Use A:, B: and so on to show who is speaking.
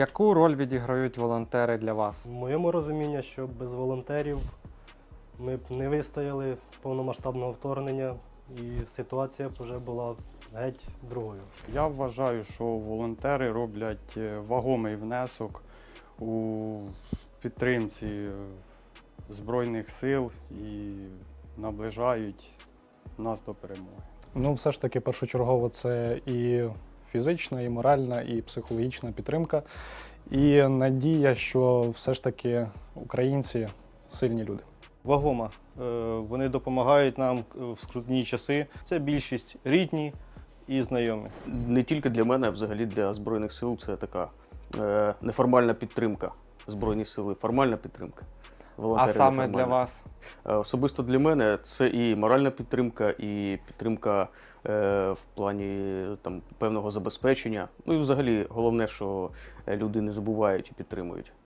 A: Яку роль відіграють волонтери для вас?
B: В моєму розумінні, що без волонтерів ми б не вистояли повномасштабного вторгнення і ситуація б вже була геть другою.
C: Я вважаю, що волонтери роблять вагомий внесок у підтримці Збройних сил і наближають нас до перемоги.
D: Ну, все ж таки, першочергово це і фізична, і моральна, і психологічна підтримка. І надія, що все ж таки українці сильні люди.
E: Вагома. Вони допомагають нам в скрутні часи. Це більшість рідні і знайомі.
F: Не тільки для мене, а взагалі для Збройних сил це така неформальна підтримка. Збройні сили, формальна підтримка.
A: А
F: Волонтери
A: саме для
F: неформальна.
A: вас?
F: Особисто для мене це і моральна підтримка, і підтримка в плані там, певного забезпечення. Ну і взагалі головне, що люди не забувають і підтримують.